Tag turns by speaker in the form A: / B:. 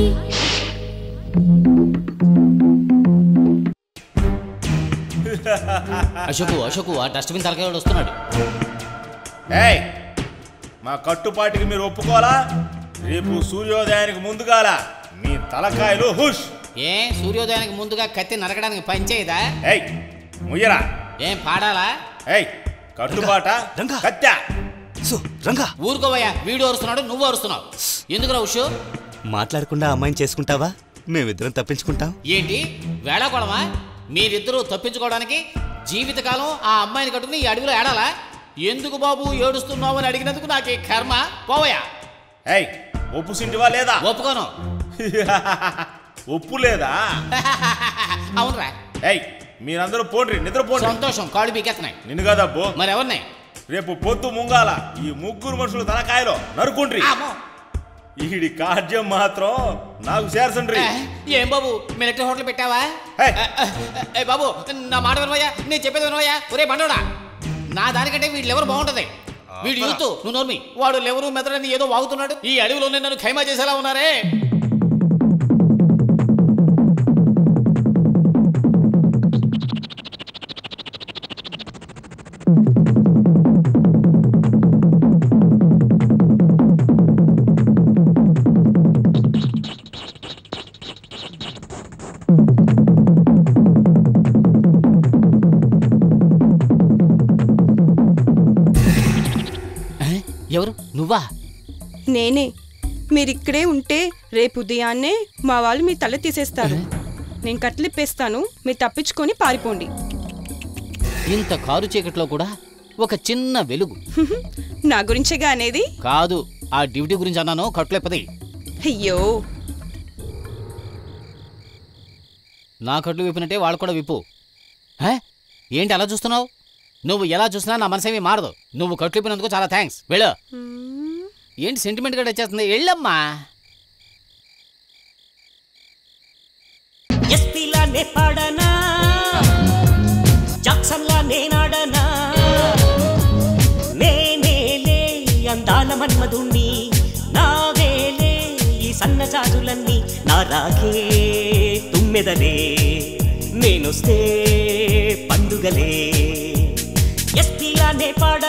A: అశోకు ఆ డస్ట్బిన్ తలకాయ వస్తున్నాడు.
B: మా కట్టుపాటికి మీరు ఒప్పుకోవాలా? రేపు సూర్యోదయానికి ముందుగాల మీ తలకాయలు హుష్.
A: సూర్యోదయానికి ముందుగా కత్తి నరకడానికి పనిచేయదా?
B: ముయ్యరా
A: ఏం పాడాలా?
B: కట్టుబాట కత్తా
C: రంగా
A: ఊరుకోవయ్యా. వీడు అరుస్తున్నాడు, నువ్వు అరుస్తున్నావు. ఎందుకురా ఉషు?
C: మాట్లాడకుండా అమ్మాయిని చేసుకుంటావా? మేమిద్దరం తప్పించుకుంటాం.
A: ఏంటి వేళాకోళమా? మీరిద్దరూ తప్పించుకోవడానికి జీవితకాలం ఆ అమ్మాయిని కట్టుకుని ఈ అడవిలో ఏడాలా? ఎందుకు బాబు ఏడుస్తున్నావు అని అడిగినందుకు నాకే కర్మ. పోవయ్యా.
B: ఒప్పు సింటివా లేదా?
A: ఒప్పుకోను.
B: ఒప్పు లేదా?
A: అవునరా.
B: మీరందరూ పోండ్రి, నిద్రపోండి.
A: సంతోషం. కాళ్ళు పీకెత్తనాయి.
B: నిన్ను కదబ్బో,
A: మరి ఎవరినాయి?
B: రేపు పొద్దు ముంగాల ఈ ముగ్గురు మనుషులు తలకాయలో నరుకుండ్రి. ఈడి కార్యం మాత్రం నాకు చేరసండ్రి.
A: ఏం బాబు మిలిటరీ హోటల్ పెట్టావా? బాబు నా మాట వినవయ్యా, నేను చెప్పేది వినవయ్యా. ఒరే బండోడా, నా దానికంటే వీడు లెవరు బాగుంటది. వీడు యూత్, నువ్వు నోర్మి. వాడు లెవరు మెదడని ఏదో వాగుతున్నాడు. ఈ అడవిలోనే నన్ను ఖైమా చేసేలా ఉన్నారే. ఎవరు? నువ్వా?
D: నేనే. మీరిక్కడే ఉంటే రేపు ఉదయాన్నే మా వాళ్ళు మీ తల తీసేస్తారు. నేను కట్లిప్పేస్తాను, మీరు తప్పించుకొని పారిపోండి.
A: ఇంత కారు చీకట్లో కూడా ఒక చిన్న వెలుగు.
D: నా గురించేగా అనేది?
A: కాదు, ఆ డ్యూటీ గురించి అన్నాను. కట్లెప్పది.
D: అయ్యో,
A: నా కట్లు విప్పినట్టే వాళ్ళు కూడా విప్పు. ఏంటి అలా చూస్తున్నావు? నువ్వు ఎలా చూసినా నా మనసేమీ మారదు. నువ్వు కట్లు విప్పినందుకు చాలా థ్యాంక్స్. వెళ్ళు. ఏంటి సెంటిమెంట్ గా వచ్చేస్తుంది? వెళ్ళమ్మా.
E: ఎస్పీలానే పాడనా, జాక్సన్లా నేనాడనా, నేనేలే అందాల మన్మధుణ్ణి, నావేలే ఈ సన్నజాజులన్నీ, నా రాగే తుమ్మెదలే, నేనొస్తే పండుగలే. ఎస్పీలానే పాడ